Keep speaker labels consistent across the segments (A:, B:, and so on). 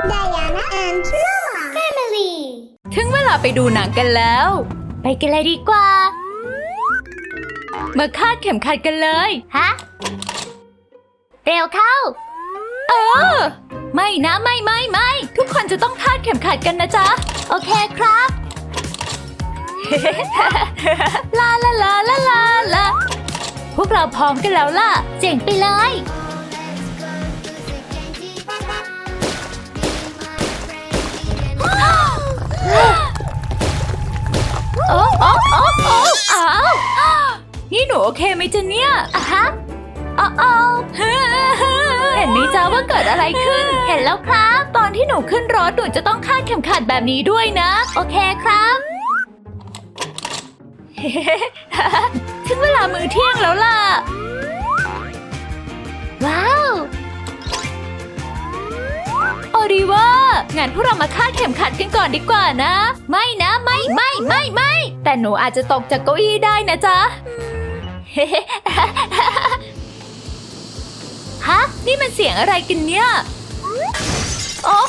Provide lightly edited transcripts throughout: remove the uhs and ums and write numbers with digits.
A: Diana and Mama Family
B: ถึงเวลาไปดูหนังกันแล้ว ไปกันเลยดีกว่า มาคาดเข็มขัดกันเลยฮะเร็วเข้าไม่นะไม่ทุกคนจะต้องคาดเข็มขัดกันนะจ๊ะโอเคครับ ลาลาลาลาลาลาพวกเราพร้อมกันแล้วล่ะเจ๋งไปเลยโอ้อ้าวนี่หนูโอเคไหมจ๊ะเนี่ยอะฮะเห็นไหมจ๊ะว่าเกิดอะไรขึ้นเห็นแล้วครับตอนที่หนูขึ้นรถหนูจะต้องคาดเข็มขัดแบบนี้ด้วยนะโอเคครับถึงเวลามื้อเที่ยงแล้วล่ะว้าวโอริว่างั้นพวกเรามาคาดเข็มขัดกันก่อนดีกว่านะไม่นะไม่แต่หนูอาจจะตกจากเก้าอี้ได้นะจ๊ะ ฮะนี่มันเสียงอะไรกันเนี่ยโอ้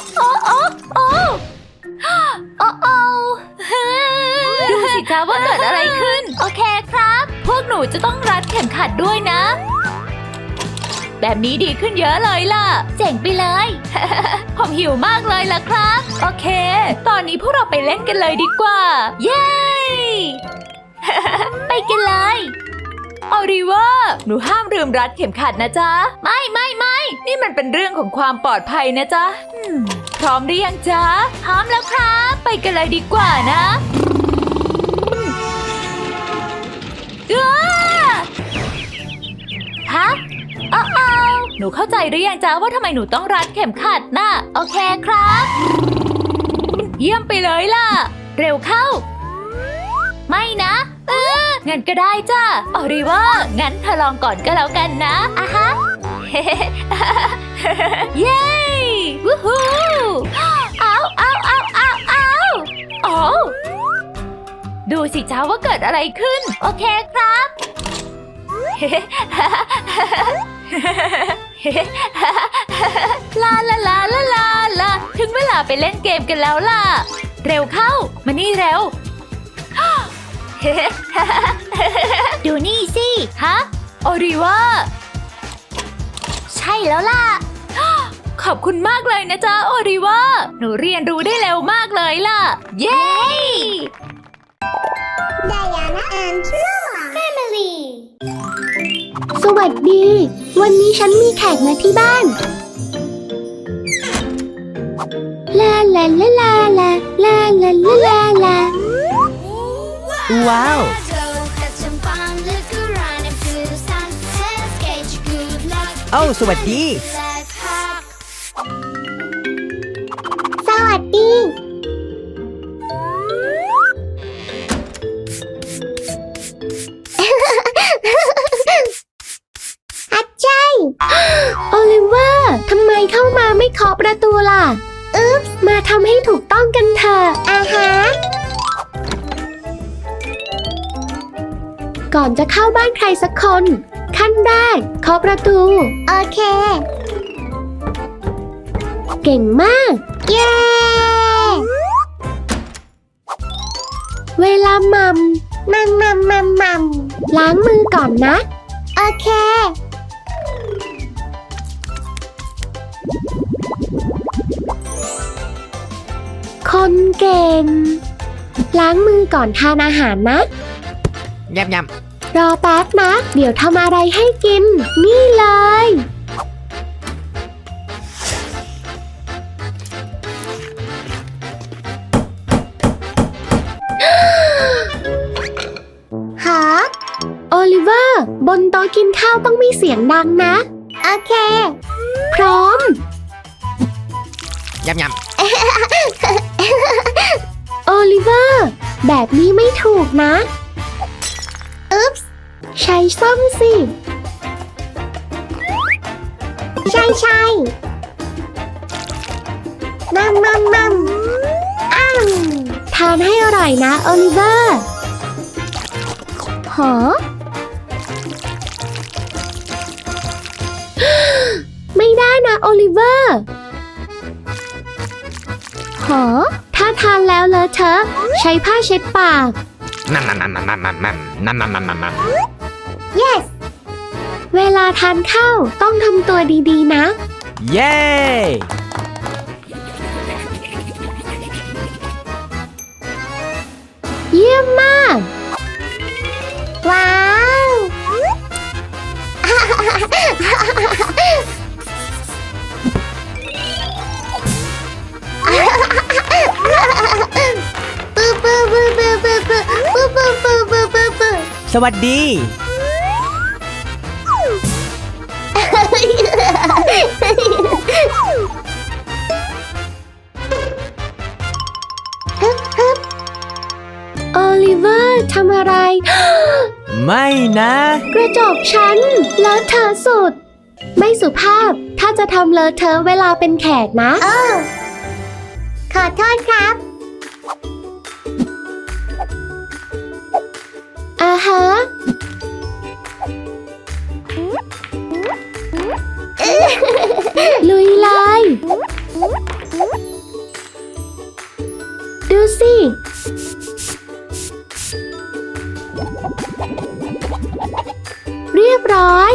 B: ดูสิจ๊ะว่าเกิดอะไรขึ้นโอเคครับพวกหนูจะต้องรัดเข็มขัดด้วยนะแบบนี้ดีขึ้นเยอะเลยล่ะเจ๋งไปเลย ผมหิวมากเลยล่ะครับโอเคตอนนี้พวกเราไปเล่นกันเลยดีกว่าเย้ ไปกันเลยออริว่าหนูห้ามลืมรัดเข็มขัดนะจ๊ะไม่นี่มันเป็นเรื่องของความปลอดภัยนะจ๊ะพร้อมหรือยังจ๊ะพร้อมแล้วครับไปกันเลยดีกว่านะฮะหนูเข้าใจหรือยังจ๊ะว่าทำไมหนูต้องรัดเข็มขัดน่ะโอเคครับเยี่ยมไปเลยล่ะเร็วเข้าไม่นะงั้นก็ได้จ้ะออริว่างั้นเธอลองก่อนก็แล้วกันนะอะฮะ เย้วู้ฮู้เอาโอ้ดูสิจ้าว่าเกิดอะไรขึ้นโอเคครับ ลาถึงเวลาไปเล่นเกมกันแล้วล่ะเร็วเข้ามานี่เร็ว ดูนี่สิฮะโอริว่าใช่แล้วล่ะ ขอบคุณมากเลยนะจ๊ะโอริว่าหนูเรียนรู้ได้เร็วมากเลยล่ะเย้
A: Diana and Mama Family
C: สวัสดีวันนี้ฉันมีแขกมาที่บ้านลาลาลาลาลาลาลาลาลาลา
D: ว้าวโอ้สวัสดี
C: สวัสดีอาจารย์โอลิเวอร์ทำไมเข้ามาไม่เคาะประตูล่ะมาทำให้ถูกต้องกันเถอะอาฮะก่อนจะเข้าบ้านใครสักคนขั้นแรกเคาะประตูโอเคเก่งมากเย้เวลามัมล้างมือก่อนนะโอเคคนเก่งล้างมือก่อนทานอาหารนะ
D: ยำ
C: รอแป๊บนะเดี๋ยวทำอะไรให้กินนี่เลยฮะโอลิเวอร์บนโต๊ะกินข้าวต้องมีเสียงดังนะโอเคพร้อม
D: ยำ
C: โอลิเวอร์แบบนี้ไม่ถูกนะอุ๊บใช้ส้อมสิใช่มัมทานให้อร่อยนะโอลิเวอร์หอ ไม่ได้นะโอลิเวอร์หอถ้าทานแล้วเลอะเทอะใช้ผ้าเช็ดปาก
D: นั่นนั่นนั่นนั่นนั่นนั่นนั่นนั่นนั่นนั่น
A: Yes.
C: เวลาทานข้าวต้องทำตัวดีๆนะ
D: เย้
C: เยี่ยมมาก
A: ว้าว ปูปูปูปูปูปูปูปูปูปูปู
D: สวัสดี
C: โอลิเวอร์ทำอะไร
D: ไม่นะ
C: กระจกฉันเลอะเทอะสุด ไม่สุภาพถ้าจะทำเลอะเทอะเวลาเป็นแขกนะ
A: โอ้ขอโทษครับ
C: อ่าฮะ ลุยเลย ดูสิ เรียบร้อย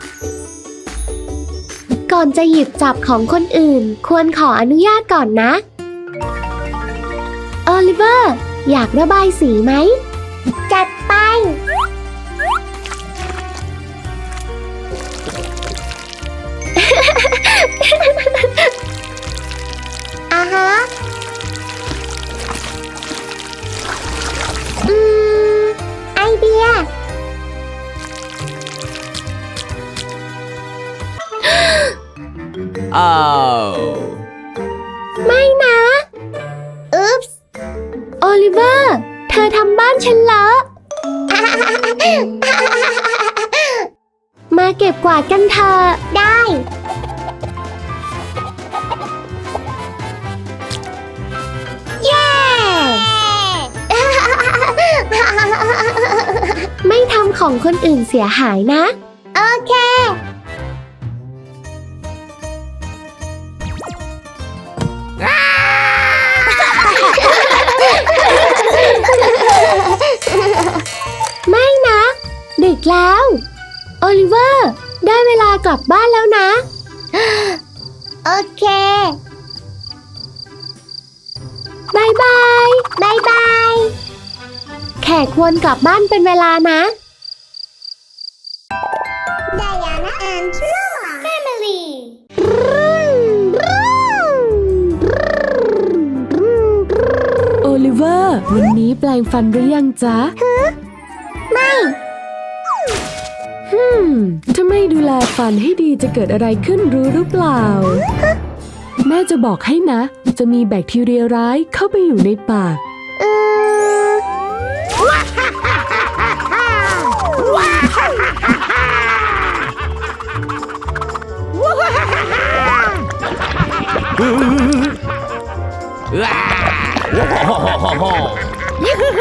C: ก่อนจะหยิบจับของคนอื่น ควรขออนุญาตก่อนนะโอลิเวอร์อยากระบายสีไหม
A: จัดไป อ่าฮะ อืม ไอเดีย
D: โอ้
C: ไม่นะ
A: อุ๊ปส์
C: โอลิเวอร์ เธอทำบ้านฉันเลอะ มาเก็บกวาดกันเถอะ
A: ได้ เย้
C: ไม่ทำของคนอื่นเสียหายนะ
A: โอเค
C: ไม่นะ ดึกแล้ว โอลิเวอร์ ได้เวลากลับบ้านแล้วนะ
A: โอเค
C: บายบาย
A: บายบาย
C: แขกควรกลับบ้านเป็นเวลานะ
A: Diana and Noah Family
E: โอลิเวอร์ วันนี้แปลงฟันหรือยังจ๊ะ
A: ไม่
E: ถ้าไม่ดูแลฟันให้ดีจะเกิดอะไรขึ้นรู้หรือเปล่า แม่จะบอกให้นะ จะมีแบคทีเรียร้ายเข้าไปอยู่ในปาก
D: ว้าว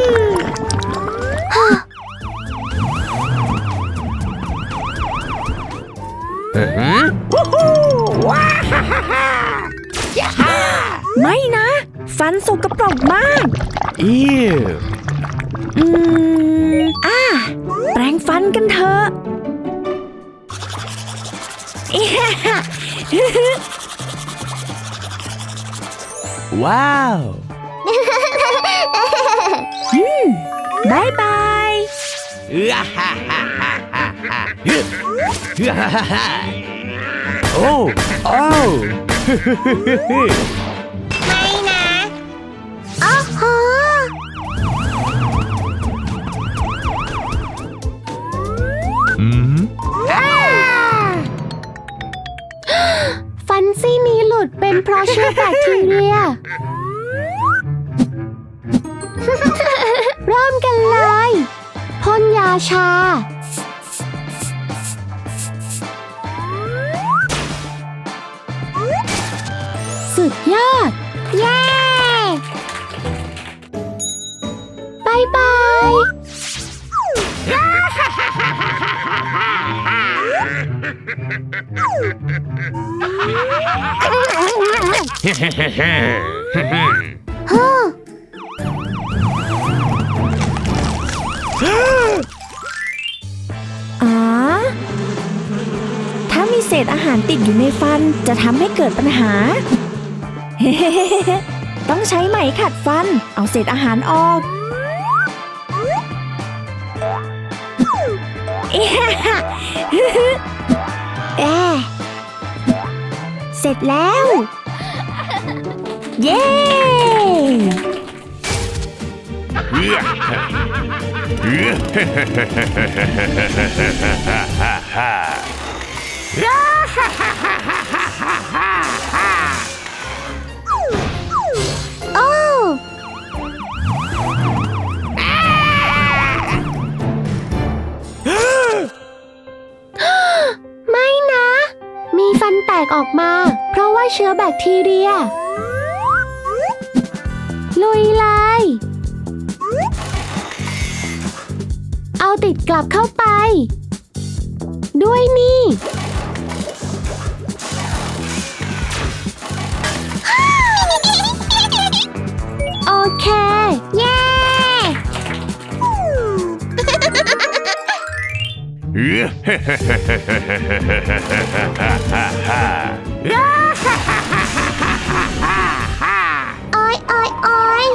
D: ว้าฮ่าฮ่าฮ่าย่าฮ่า
B: ไม่นะ ฟันสกปรกมาก
D: อิ้ว
B: แปรงฟันกันเถอะ
D: ว้าว
B: บายบาย
D: ฮ่าฮ่าฮ่าฮ่าฮ่าฮ่าฮ่าฮ่าฮ่าโอ้โอ้
A: ไม่นะ โอ้โห
D: อืม
C: ฟันซี่นี้หลุดเป็นเพราะเชื้อแบคทีเรีย เริ่มกันเลยพ่นยาชา สุดยอด
A: เย้
C: บายบาย
D: เ
F: อ๋อ ถ้ามีเศษอาหารติดอยู่ในฟันจะทำให้เกิดปัญหา ต้องใช้ไหมขัดฟัน เอาเศษอาหารออก เสร็จแล้ว เย้
A: โอ้
C: ไม่นะ มีฟันแตกออกมา เพราะว่าเชื้อแบคทีเรีย ลุยเลย เอาติดกลับเข้าไป ด้วยนี่ โอเค เย้
A: โอ้ยโอ้ยโอ้ย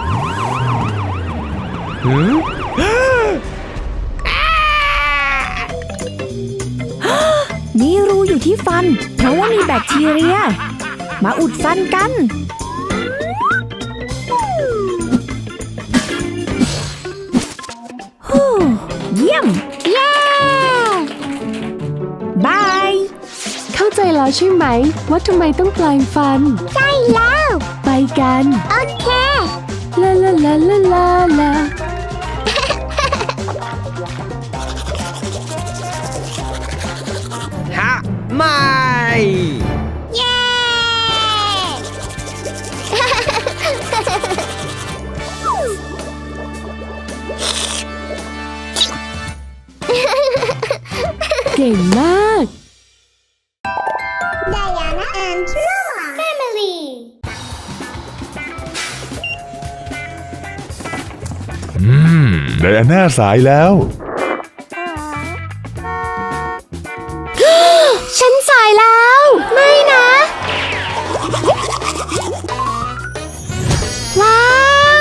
F: มีรูอยู่ที่ฟัน เพราะว่ามีแบคทีเรีย มาอุดฟันกัน ฮู้เยี่ยม
A: เย้
F: บาย
E: เข้าใจแล้วใช่ไหม ว่าทำไมต้องแปลงฟัน
A: ใช่แล้ว
E: ไปกัน
A: โอเค
E: ลาลาลาลาลาลา
D: ฮะ ไม่
A: เย้
E: เก่งมาก
A: Diana and Noah Family
G: ไดอาน่าสายแล้ว
C: ฉันสายแล้ว ไม่นะ ว้าว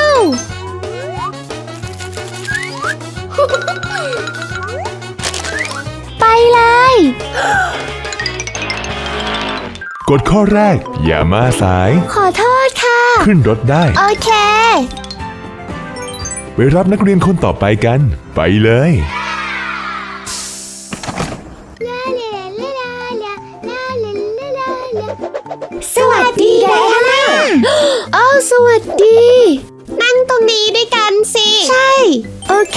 C: ไปเลย
G: กฎข้อแรก อย่ามาสาย
C: ขอโทษค่ะ
G: ขึ้นรถได้
C: โอเค
G: ไปรับนักเรียนคนต่อไปกัน ไปเลย
C: สวัสดีไดอาน่าอ้าวสวัสดี นั่งตรงนี้ด้วยกันสิ ใช่ โอเค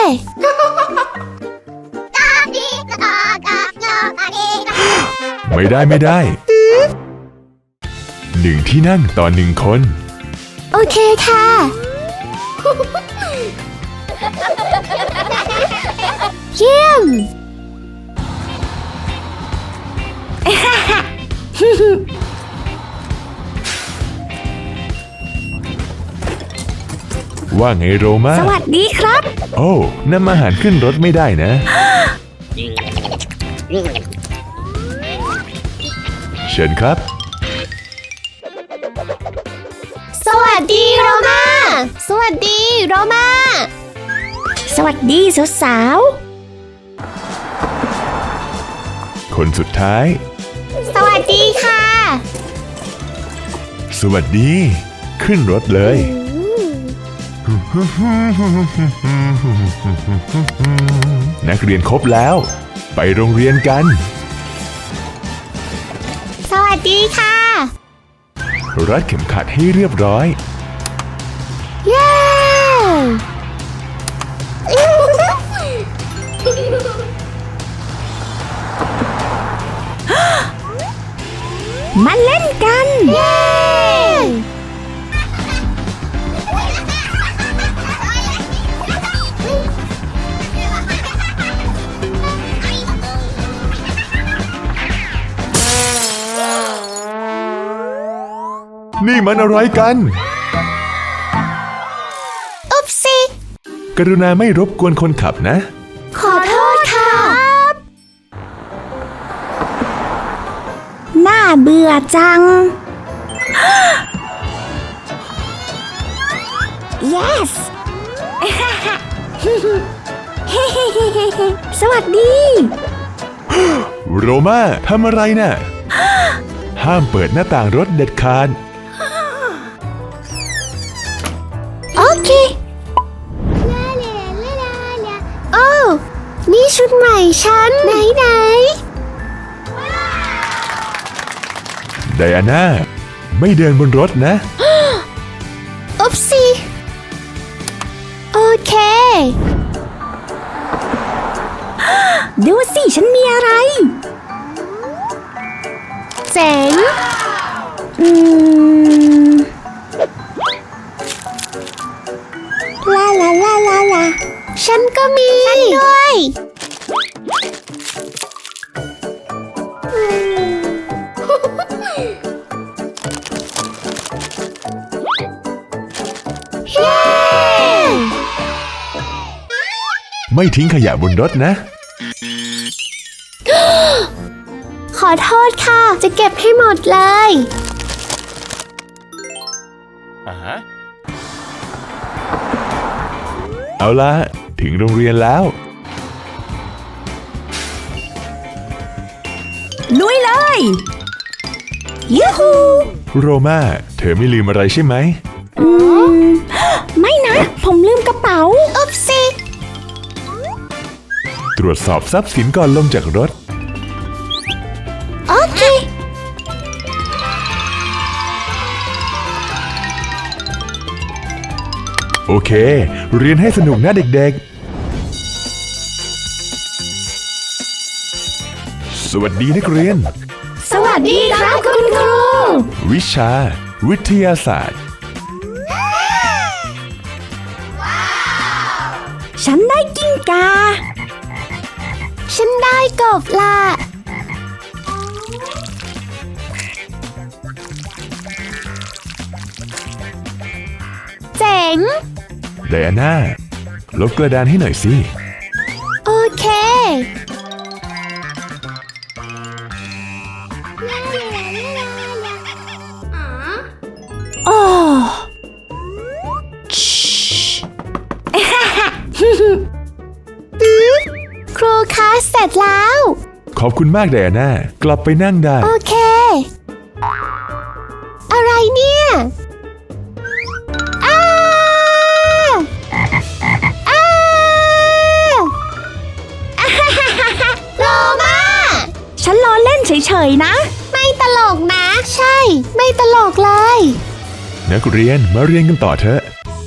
G: ไม่ได้หนึ่งที่นั่งต่อหนึ่งคน
C: โอเคค่ะ เยี่ยม
G: ว่าไงโรมา
F: สวัสดีครับ
G: โอ้นำอาหารขึ้นรถไม่ได้นะ เชิญครับ
C: สวัสดีโรมา สวัสดีโรมา
F: สวัสดีสาว
G: คนสุดท้าย
C: สวัสดีค่ะ
G: สวัสดี ขึ้นรถเลย นักเรียนครบแล้ว ไปโรงเรียนกัน
C: สวัสดีค่ะ
G: รัดเข็มขัดให้เรียบร้อย
C: เย้
F: ๆ มาเล่นกัน
C: เย้
A: เ
G: นี่มันอะไรกัน
A: อุ๊บสิ
G: กรุณาไม่รบกวนคนขับนะ
A: ขอโทษค่ะ
F: น่าเบื่อจัง yes สวัสดี
G: โรมาทำอะไรน่ะ ห้ามเปิดหน้าต่างรถเด็ดขาด
A: โอเคโอ้นี่ชุดใหม่ฉันไหน
G: ไดอาน่า ไม่เดินบนรถนะ
A: อุ๊บสิโอเค
F: ดูสิ ฉันมีอะไร
A: เจ๋ง
F: ลาลาลาลาลา
A: ฉันก็มีฉันด้วยเย้
G: ไม่ทิ้งขยะบนรถนะ
A: ขอโทษค่ะ จะเก็บให้หมดเลย
G: เอาละถึงโรงเรียนแล้ว
F: ลุยเลยยูฮู
G: โรมาเธอไม่ลืมอะไรใช่ไหม
F: ไม่นะ ผมลืมกระเป๋า
A: อุ๊บสิ
G: ตรวจสอบทรัพย์สินก่อนลงจากรถ
A: โอเค
G: โอเค เรียนให้สนุกนะเด็กๆ สวัสดีนักเรียน
F: สวัสดีครับคุณครู
G: วิชา วิทยาศาสตร์
F: ฉันได้กิ้งกา
A: ฉันได้กบละ เจ๋ง
G: ไดอาน่า ลบกระดานให้หน่อยสิ
A: โอเค
F: โอ้
A: ครูคะเสร็จแล้ว
G: ขอบคุณมากไดอาน่า กลับไปนั่งได้
A: โอเค อะไรเนี่ยอ้าอ้าโลมา
F: ฉันล้อเล่นเฉยๆนะ
A: ไม่ตลกนะ ใช่ ไม่ตลกเลย
G: นักเรียนมาเรียนกันต่อเถอะ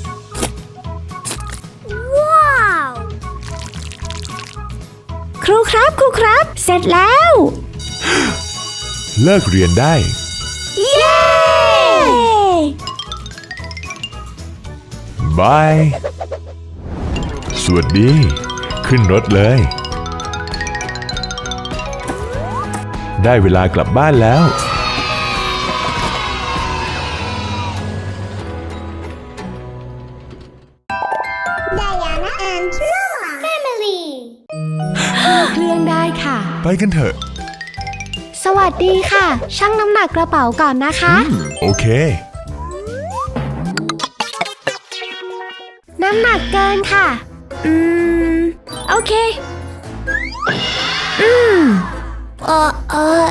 A: ว้าว
F: ครูครับ ครูครับ เสร็จแล้ว
G: เลิกเรียนได้
F: เย้
G: บาย สวัสดี ขึ้นรถเลย ได้เวลากลับบ้านแล้ว
A: Diana and Noah Family
C: เครื่องได้ค่ะ
G: ไปกันเถอะ
C: สวัสดีค่ะ ชั่งน้ำหนักกระเป๋าก่อนนะคะ
G: โอเค
C: น้ำหนักเกินค่ะ
F: โอเค
A: เออเออ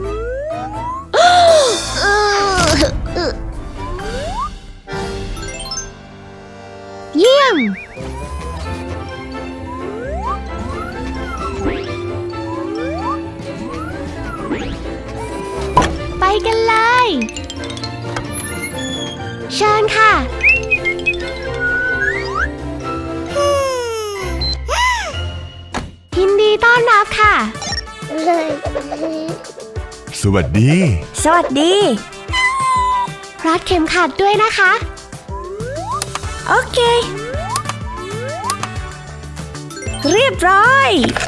C: เยี่ยม ไปกันเลย เชิญค่ะ ยินดีต้อนรับค่ะ
A: เลย
G: สวัสดี
F: สวัสดี
C: รัดเข็มขัดด้วยนะคะ
F: โอเค เรียบร้อย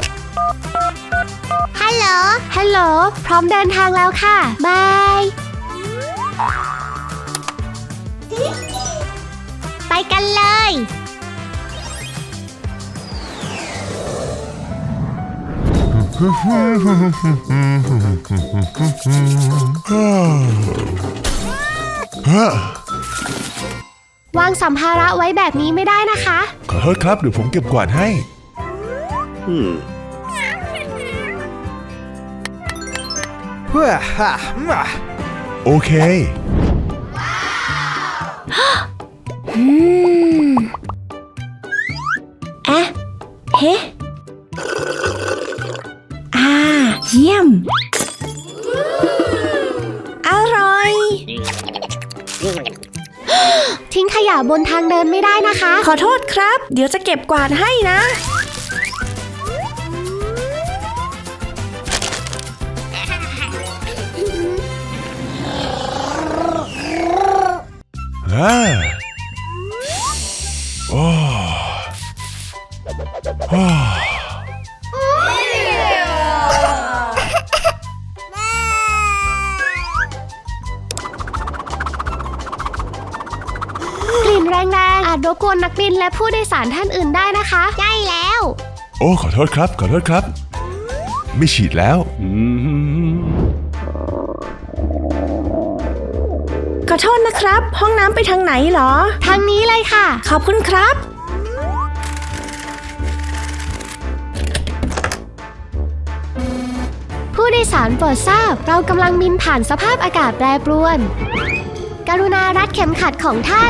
A: ฮัลโหล
C: ฮัลโหล พร้อมเดินทางแล้วค่ะ บายวางสัมภาระไว้แบบนี้ไม่ได้นะคะ
G: ขอโทษครับ เดี๋ยวผมเก็บกวาดให้ โอเค
F: อะเฮ้เยี่ยม อร่อย
C: ทิ้งขยะบนทางเดินไม่ได้นะคะ
F: ขอโทษครับ เดี๋ยวจะเก็บกวาดให้นะ
G: โอ้โอ้
C: กลิ่นแรงๆอาจรบกวนนักบินและผู้โดยสารท่านอื่นได้นะคะ
A: ใช่แล้ว
G: โอ้ ขอโทษครับ ขอโทษครับ ไม่ฉีดแล้ว
F: ขอโทษนะครับ ห้องน้ำไปทางไหนเหรอ
C: ทางนี้เลยค่ะ
F: ขอบคุณครับ
C: ผู้โดยสารโปรดทราบ เรากำลังบินผ่านสภาพอากาศแปรปรวน กรุณารัดเข็มขัดของท่าน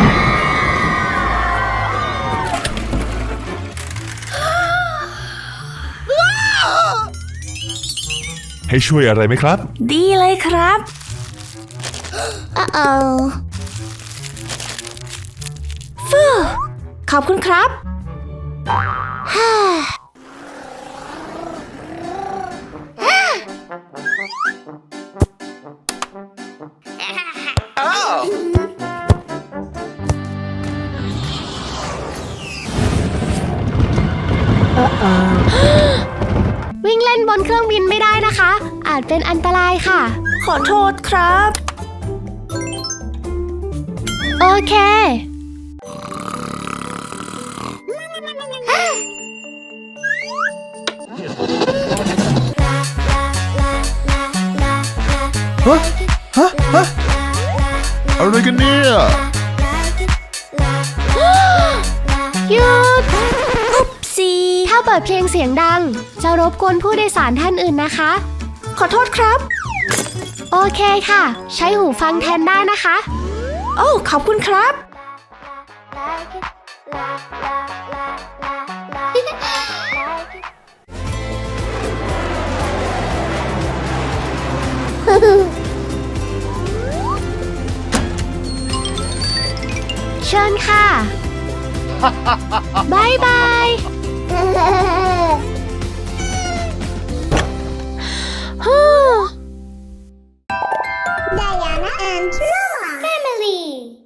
G: ให้ช่วยอะไรไหมครับ
F: ดีเลยครับ ฟูขอบคุณครับ
C: วิ่งเล่นบนเครื่องบินไม่ได้นะคะ อาจเป็นอันตรายค่ะ
F: ขอโทษครับ
C: โอเค
G: อะไรกันเนี่ย
C: หยุด
F: ซี
C: ถ้าเปิดเพลงเสียงดัง จะรบกวนผู้โดยสารท่านอื่นนะคะ
F: ขอโทษครับ
C: โอเคค่ะ ใช้หูฟังแทนได้นะคะ
F: โอ้ขอบคุณครับ
C: เชิญค่ะ บายบาย ฮู้
A: Diana and Noah Family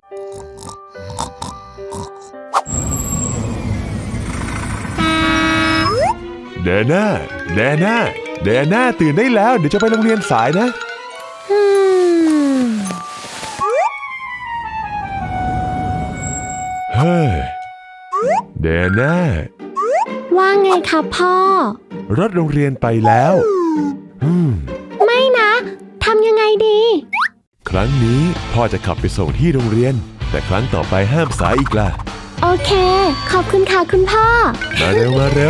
G: แดน่า แดน่า แดน่า ตื่นได้แล้ว เดี๋ยวจะไปโรงเรียนสายนะ เฮ้ย แดน่า
C: ว่าไงครับพ่อ
G: รถโรงเรียนไปแล้ว
C: ไม่นะ ทำยังไงดี
G: ครั้งนี้พ่อจะขับไปส่งที่โรงเรียน แต่ครั้งต่อไปห้ามสายอีกล่ะ
C: โอเค ขอบคุณค่ะคุณพ่อ
G: มาเร็ว มาเร็ว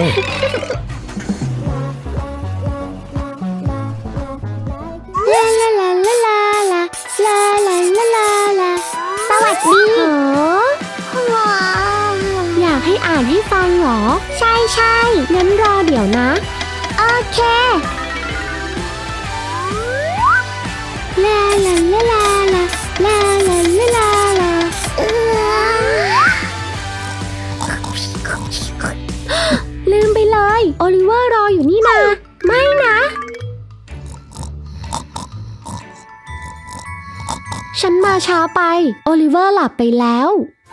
C: ลาลาลาลาลาลาลาลาลาลาลาสวัสดีว้าวอยากให้อ่านให้ฟังเหรอ ใช่ใช่งั้นรอเดี๋ยวนะ โอเคลาลาลาลาลาลาลาลาลาลาลืมไปเลย โอลิเวอร์รออยู่นี่นาไม่นะ ฉันมาช้าไป โอลิเวอร์หลับไปแล้ว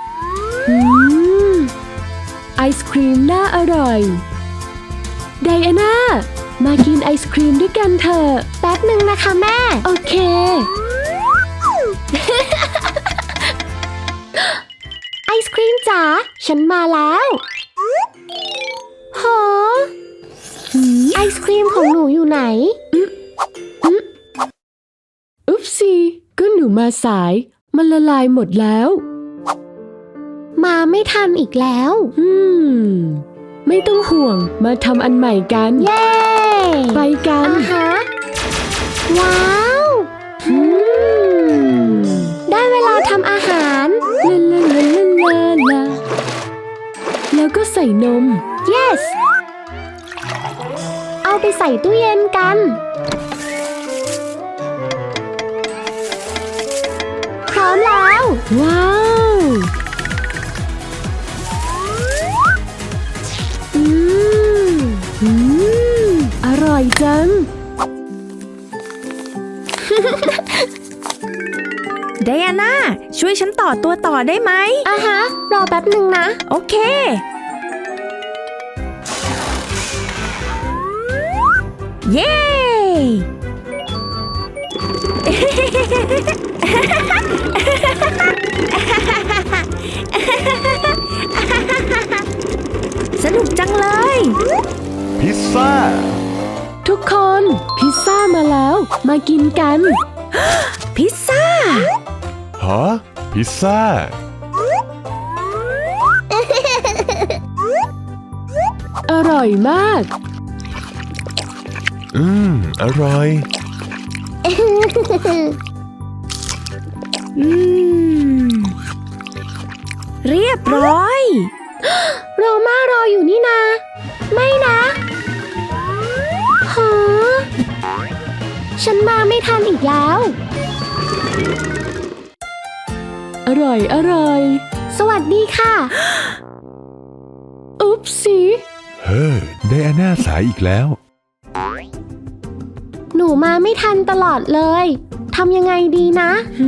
E: ไอศครีมน่าอร่อยไดอาน่า มากินไอศครีมด้วยกันเถอะ
C: แป๊บหนึ่งนะคะแม่
E: โอเค
C: ไอศครีมจ๋าฉันมาแล้วโหไอศครีมของหนูอยู่ไหน
E: อุ๊บซีก็หนูมาสาย มันละลายหมดแล้ว
C: มาไม่ทันอีกแล้ว
E: ไม่ต้องห่วง มาทำอันใหม่กัน
C: เย้
E: ไปกัน
C: ฮะว้าวได้เวลาทำอาหาร
E: ลาลาลาลาลาแล้วก็ใส่นม
C: yes เอาไปใส่ตู้เย็นกัน พร้อมแล้ว
E: ว้าว อืม อร่อยจัง
F: ไดอาน่าช่วยฉันต่อตัวต่อได้ไหม
C: อ่ะฮะ รอแป๊บหนึ่งนะ
F: โอเค เย้ สนุกจังเลย
G: พิซซ่า
E: ทุกคนพิซซ่ามาแล้ว มากินกัน
F: พิซซ่า
G: ฮะ พิซซ่า
E: อร่อยมาก
G: อร่อย
F: เรียบร้อย
C: โรม่ารออยู่นี่นา ไม่นะฮะฉันมาไม่ทันอีกแล้ว
E: อร่อย อร่อย
C: สวัสดีค่ะ
E: อุ๊บซี
G: เฮ้อไดอาน่าสายอีกแล้ว
C: หนูมาไม่ทันตลอดเลยทำยังไงดีนะ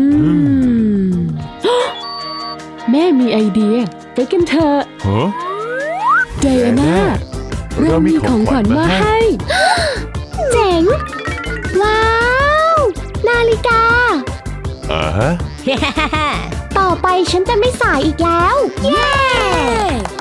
E: แม่มีไอเดีย ไปกันเถอะ
G: ฮะ
E: ไดอาน่า เรามีของขวัญมาให้
C: เจ๋ง ว้าว นาฬิกา
G: อ่าฮะ
C: ต่อไปฉันจะไม่สายอีกแล้ว เย้